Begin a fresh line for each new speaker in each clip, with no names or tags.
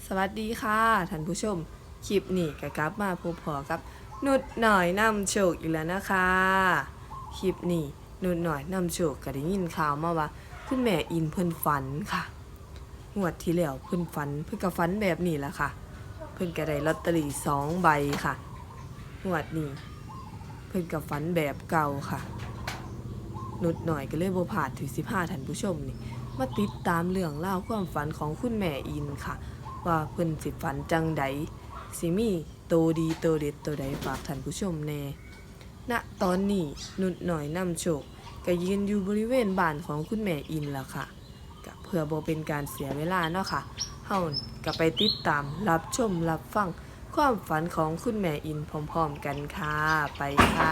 สวัสดีค่ะท่านผู้ชมคลิปนี้ก็กลับมาพบพอกับนุดหน่อยนำโชคอีกแล้วนะคะคลิปนี้นุดหน่อยนำโชคก็ได้ยินข่าวมาว่าคุณแม่อินเพิ่นฝันค่ะงวดที่แล้วเพิ่นฝันเพิ่นก็ฝันแบบนี้แหละค่ะเพิ่นก็ได้ลอตเตอรี่2ใบค่ะงวดนี้เพิ่นก็ฝันแบบเก่าค่ะนุดหน่อยก็เลยบ่พลาดถึง15ท่านผู้ชมนี่มาติดตามเรื่องราวความฝันของคุณแม่อินค่ะว่าเพิ่นสิฝันจังใดสิมีโตดีโตเด็ดโตใดฝากท่านผู้ชมแน่ณตอนนี้นุดหน่อยนำโชคก็ยืนอยู่บริเวณบ้านของคุณแม่อินแล้วค่ะก็เพื่อบ่เป็นการเสียเวลาเนาะค่ะเฮาก็ไปติดตามรับชมรับฟังความฝันของคุณแม่อินพร้อมๆกันค่ะไปค่ะ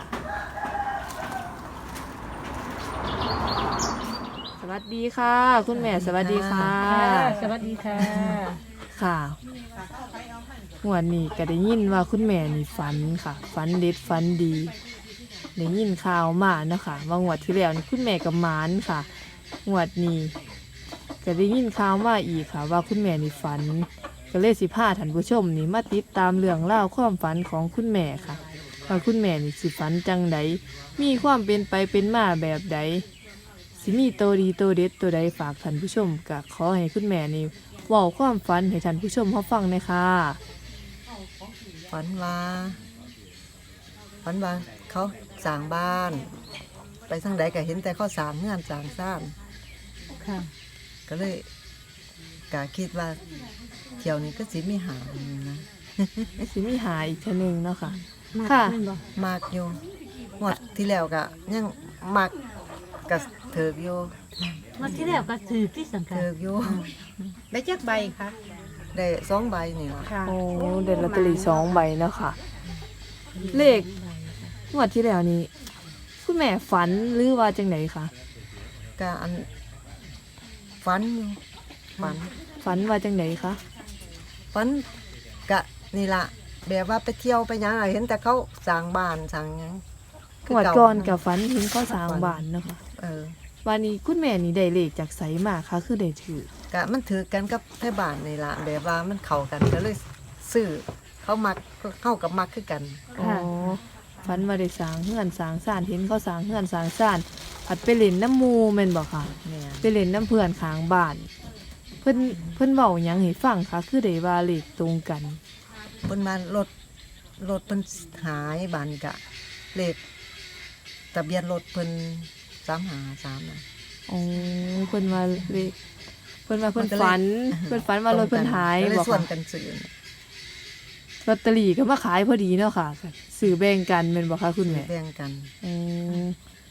สวัสดีค่ะคุณแม่สวัสดีค่ะ
สวัสดีค่ะ
ค่ะงวดนี้ก็ได้ยินว่าคุณแม่นี่ฝันค่ะฝันเด็ดฝันดีได้ยินข่าวมาเนาะค่ะว่างวดที่แล้วนี่คุณแม่กับหมานค่ะงวดนี้ก็ได้ยินข่าวมาอีกค่ะว่าคุณแม่นี่ฝันก็เลยสิพาท่านผู้ชมนี่มาติดตามเรื่องเล่าวความฝันของคุณแม่ค่ะว่าคุณแม่นี่สิฝันจังใดมีความเป็นไปเป็นมาแบบใดสิมีโตดีโตเด็ดโตใดฝากท่านผู้ชมก็ขอให้คุณแม่นี่เว้าความฝันให้ท่านผู้ชมเขาฟังหน่อยค่ะ
ฝันว่าฝันว่าเขาสร้างบ้าน ไปทางใดก็เห็นแต่เขาสร้างเงื่อนสร้างซ่าน
ค่ะ
ก็เลยกะคิดว่าเที่ยวนี้ก็สิมีหาอยู่นะ
สิมีหาอีกเทอนึงเนาะค่ะ
มาก
ค่ะ
แม่นบ่
มากอยู่งวดที่แล้วก็ยังมักกะเถิกอยู่
มาที่แล้วก็ถือที่สังกัด
เถิกอยู่
ได้จักใบคะ
ได้2 ใบนี่ล่ะ
ค่ะ
โอ้เด็ดลอตเตอรี่2 ใบเนาะค่ะ เลขงวดที่แล้วนี้คุณแม่ฝันหรือว่าจังไหนคะ
ก็อันฝันอยู่ฝัน
ฝันว่าจังไหนคะ
ฝันกะนี่ล่ะแบบว่าไปเที่ยวไปหยังอะเห็นแต่เขาสร้างบ้านสร้างหยัง
งวดก่อนกับฝันเห็นเขาสร้างบ้านเนาะค่ะ
เออ
วันนี้คุณแม่นี่ได้เลขจากไสมาคะคือได้ถือก
ะมันถือกันกับไทบ้านนี่ล่ะแบบว่ามันเข้ากันก็เลยซื้อเขามักเข้ากับมักคือกัน
อ๋อฝันว่าได้สร้างเฮือนสร้างซ่านเห็นเขาสร้างเฮือนสร้างซ่านผัดไปเล่นน้ำหมูแม่นบ่ค่ะ
เนี่ย
ไปเล่นน้ำเพื่อนข้างบ้าน เพิ่นเว้าหยังให้ฟังคะคือได้ว่าเลขตรงกัน
เพิ่นมารถเพิ่นหายบ้านกะเลขทะเบียนรถเพิ่น353น่ะ
อ๋อเพิ่นว่าเลขเพิ่นว่าเพิ่น
มันก็เลย
ฝันเพิ่นฝันว่ารถเพิ่นหาย
ก็เลย
บ่
ส่วน
ค่ะ
กันซื้อน่ะ
ลอตเตอรี่ก็มาขายพอดีเนาะค่ะซื้อแบ่งกันแม่นบ่คะคุณแม่
แบ่งกัน
อืม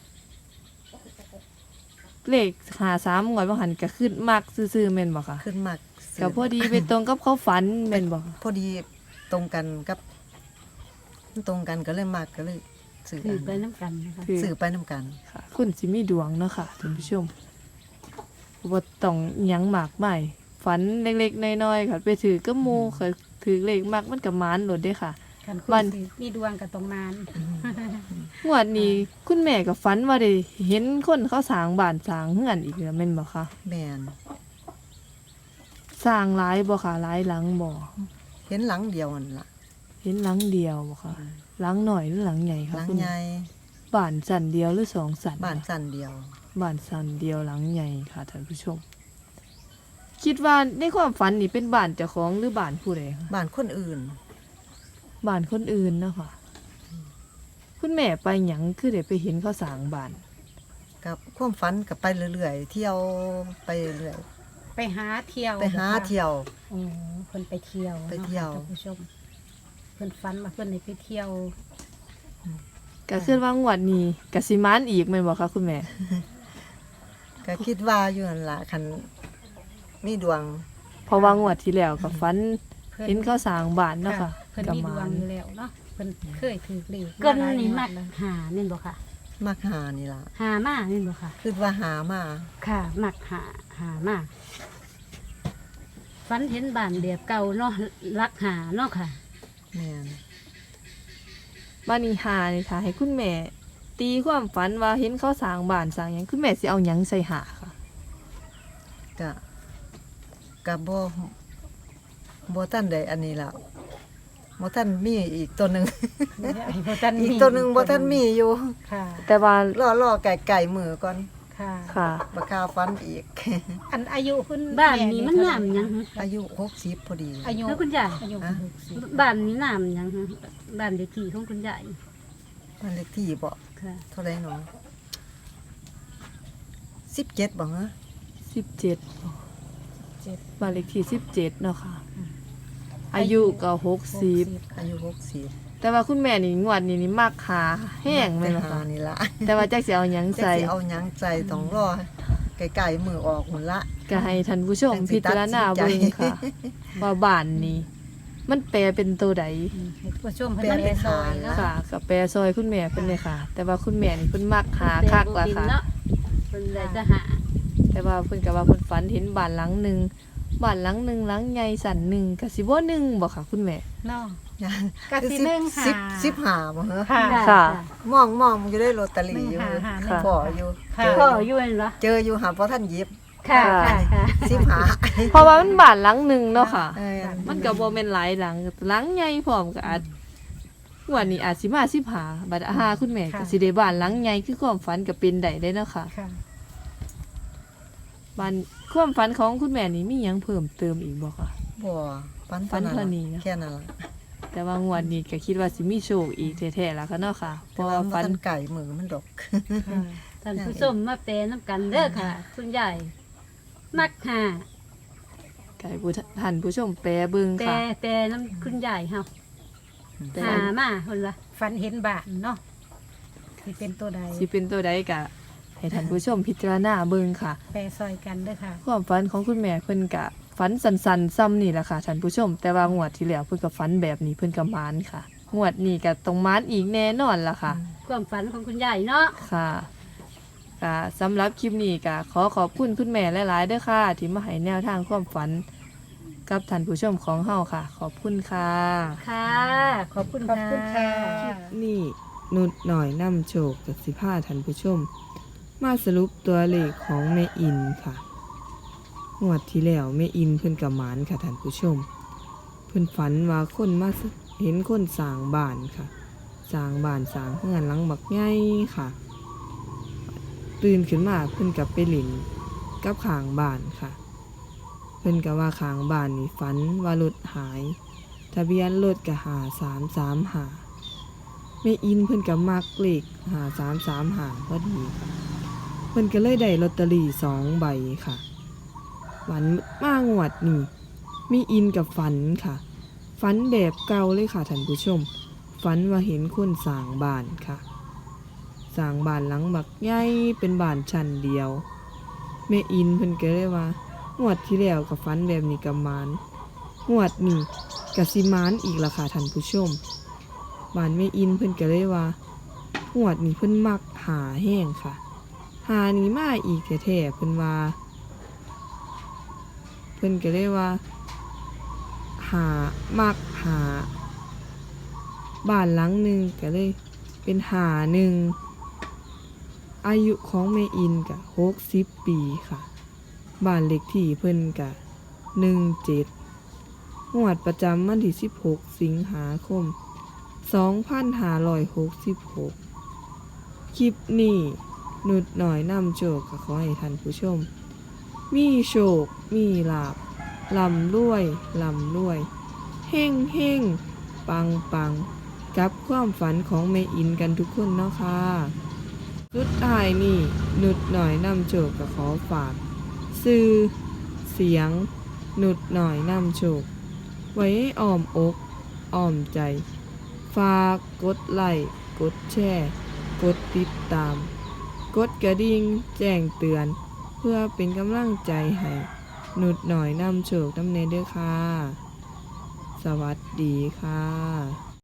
เลข53งวดบ่หันก็ขึ้นมักซื่อๆแม่นบ่คะ
ขึ้นมักซื้
ก็พอดีไปตรงกับเขาฝันแม่นบ่
พอดีตรงกันกับมันตรงกันก็เลยมักก็เลยซื้อ
ถือไป
กัน
น้ำกันนะคะ
คือ
ซื้อไปนํกัน
ค่ะคุณสิมีดวงเนาะค่ะท่านผู้ชมบ่ต้องอิหยังมากมายฝันเล็กๆน้อยๆค่ะไปถือกับหมู่ค่ะถือเลขมักมันก็หมานโลดเด้ค่ะ
คันค
วัน
นสิมีดวงกับตรงนาน
งวดนี้คุณแม่ก็ฝันว่าได้เห็นคนเขาสร้างบ้านสร้างเฮือนอีกแล้วแม่นบ่คะ
แม่น
สร้างหลายบ่คะหลายหลังบ่
เห็นหลังเดียวนั่นล่ะ
เห็นหลังเดียวบ่คะหลังหน่อยหรือหลังใหญ่คะ
หลัง
คุณ
ใหญ่
บ้านสันเดียวหรือสองสัน
บ้าน
คะ
สั้นเดียว
บ้านสันเดียวหลังใหญ่ค่ะท่านผู้ชม คิดว่าในความฝันนี่เป็นบ้านเจ้าของหรือบ้านผู้ใดคะ
บ้านคนอื่น
บ้านคนอื่นเนาะค่ะคุณแม่ไปหยังคือได้ไปเห็นเขาสร้างบ้าน
กับความฝันกับไปเรื่อยๆเที่ยวไปเรื่อย
ไปหาเที่ยว
ไปหาเที่ยว
โอ้เพิ่นไปเที่ยว
ไปเที่ยว
นาะค่ะท่านผู้ชมเพิ่นฝันว่าเพิ่นได้ไปเที่ยว
ก็คือว่างวดนี้ก็สิมานอีกแม่นบ่คะคุณแม่
ก็คิดว่าอยู่นั่นล่ะคันมีดวง
เพราะว่างวดที่แล้วก็ฝัน
เพิ่น
เห็นเขาสร้างบ้านเนาะค่ะ
เพิ่น
ก็
มี
ห
ด
มาว
ง
น
อยู่แล้วเนาะเพิ่นเคยถือเลข
เกิน
หลาย
นี่
งว
มั
ด
ก
แล้วหาแม่นบ่ค่ะ
มักหานี่ล่ะ
หามาแม่นบ่ค่ะ
คิดว่าหามา
ค่ะมักหามาฝันเห็นบ้านแบบเก่าเนาะรักหาเนาะค่ะ
แม่น
บ้านนี้หานี่ค่ะ ให้คุณแม่ ตีความฝันว่าเห็นเขาสร้างบ้านสร้างหยังคุณแม่สิเอาหยังใส่หาค่ะ
ก็ก็บ่บ่ทันได้อันนี้แล้วบ่ทันมีอีกตัวหนึง
บ่ทัน
อีกตัวหนึงบ่ทันมีอยู่
ค่ะ
แต่ว่าร
อไก่มือก่อน
ค่ะ
ค่ะ
บ่คาฟันอีก
อันอายุเพิ่น
บ้านนี้มันน้ำหยัง
อายุ60พอดี
อายุ
แล้วคุณยาย
อายุ
ฮะ
บ้านนี้น้ำหยังบ้านเลขที่ของคุณยาย
บ้านเลขที่บ่
ค่ะ
เท่าไหร่หนอ17บ่ฮะ
17บ้านเลขที่17เนาะค่ะ อายุก็60
อายุ60
แต่ว่าคุณแม่นี่งวดนี้นี่มักหาแห้งแม่นบ่
หา
คะ
นี่ล่ะ
แต่ว่าจักสิเอาหยัง
จะ
ใส่
สิเอาหยังใจต้องรอไก่มือออกหุ่นละ
ก็ให้ท่านผู้ชม
จังสิ
พิจารณา
ตัดสินใจ
เบิ่งค่ะ ว่าบ้านนี้ มันแปลเป็นตัวใด
ให้ผู้ชม
แปล
เพิ่น
เป็
ได้
น
ซอย
หา
เนาะ
ค่ะกับแปรซอยคุณแม่เพิ่นเลยค่ะ แต่ว่าคุณแม่นี่เพิ่นมักหาคักล่ะค่ะ
เนาะเพิ่นได้จะหา
แต่ว่าเพิ่นก็ว่าเพิ่นฝันเห็นบ้านหลังหนึงบ้านหลังหนึงหลังใหญ่สันหนึงก็สิบ่หนึงบ่ค่ะคุณแม่
เนาะ
ก็
สิหนึ่งหา
15บ่ฮะ
ค่ะ
ค่ะ
มองอยู่ได้ลอตเตอรี่อยู่
หนึ่งหา
ค่ะ
พออยู่
ค่ะ
พ่ออยู่นั่นเหรอ
เจออยู่หาบ่ทันหยิบ
ค่ะค่ะ
15
เพราะว่ามันบ้านหลังหนึงเนาะค่ะ
เออ
มันก็บ่แม่นหลายหลังหลังใหญ่พร้อมก็อาจงวดนี้อาจสิมา15บัดอาหาคุณแม่ก็สิได้บ้านหลังใหญ่คือความฝันก็เป็นได้เด้เนาะค่ะ
ค่ะ
บ้านความฝันของคุณแม่นี่มีหยังเพิ่มเติมอีกบ่คะ
บ่ปัน
ฝันเท่านี้นะ
แค่นั้นล่ะ
แต่ว่างวดนี้ก็คิดว่าสิมีโชคอีกแท้ๆล่ะค่ะเนาะค่ะเพ
แต่
ราะ
ว่า
ว่า
มั
ฝัน
นไก่มือมันดอก
ท่านผู้ชมมาแปลน้ำกันเด้อค่ะ คุณยายมักหา
ไก่ผู้ท่านผู้ชมแปรเบิ่ง
แต่
ค่ะ
แต่น้ำคุณยายเฮา
แต่
หามาเพิ่นว่า
ฝันเห็นบ้านเนาะสิเป็นตัวใด
สิเป็นตัวใดก็ให้ท่านผู้ชมพิจารณาเบิ่งค่ะ
แปรซอยกันเด้อค่ะ
ความฝันของคุณแม่เพิ่นก็ฝันสันๆซ้ำนี่แหละค่ะท่านผู้ชม แต่ว่างวดที่แล้วเพิ่นก็ฝันแบบนี้เพิ่นก็มานค่ะงวดนี้ก็ต้องมานอีกแน่นอนล่ะค่ะ
ความฝันของคุณยายเนาะ
ค่ะก็สำหรับคลิปนี้ก็ขอขอบคุณคุณแม่หลายๆเด้อค่ะ ที่มาให้แนวทางความฝันกับท่านผู้ชมของเฮาค่ะ ขอบคุณค่ะ
ค่ะ ขอบคุณ
ขอบคุณค่ะ
นี่นุดหน่อยนำโชคกับสิพาท่านผู้ชม มาสรุปตัวเลขของแม่อินค่ะงวดที่แล้วแม่อินเพิ่นกับหมานค่ะท่านผู้ชม เพิ่นฝันว่าคนมาเห็นคนสร้างบ้านค่ะสร้างบ้านสร้างเฮือนหลังบักใหญ่ค่ะ ตื่นขึ้นมาเพิ่นกับไปหลินกับข้างบ้านค่ะ เพิ่นก็ว่าข้างบ้านนี่ฝันว่ารถหาย ทะเบียนรถก็5335แม่อินเพิ่นก็มักเลข5335พอดีค่ะเพิ่นก็เลยได้ลอตเตอรี่2ใบค่ะวันมางวดนี่แม่อินกับฝันค่ะ ฝันแบบเก่าเลยค่ะท่านผู้ชม ฝันว่าเห็นคนสร้างบ้านค่ะสร้างบ้านหลังบักใหญ่เป็นบ้านชั้นเดียวแม่อินเพิ่นก็เลยว่างวดที่แล้วก็ฝันแบบนี้กับมานงวดนี้ก็สิมานอีกล่ะค่ะท่านผู้ชมบ้านแม่อินเพิ่นก็เลยว่างวดนี้เพิ่นมักหาแห้งค่ะ หานี้มาอีกแท้ๆเพิ่นว่า เพิ่นก็เลยว่าหามักหาบ้านหลังหนึ่งก็เลยเป็นหาหนึ่งอายุของแม่อินก็60 ปีค่ะบ้านเลขที่เพิ่นก็17งวดประจำวันที่16 สิงหาคม 2566 คลิปนี้นุดหน่อยนำโชคก็ขอให้ท่านผู้ชม มีโชค มีลาภลำรวยลำรวย เฮ่งเฮ่งปังปังกับความฝันของแม่อินกันทุกคนเนาะค่ะสุดท้ายนี่นุดหน่อยนำโชคก็ขอฝาก สื่อเสียง นุดหน่อยนำโชค ไว้ให้อ้อมอกอ้อมใจ ฝากกดไลค์กดแชร์กดติดตาม กดกระดิ่งแจ้งเตือน เพื่อเป็นกำลังใจให้นุดหน่อยนำโชคนำเนเด้อค่ะ สวัสดีค่ะ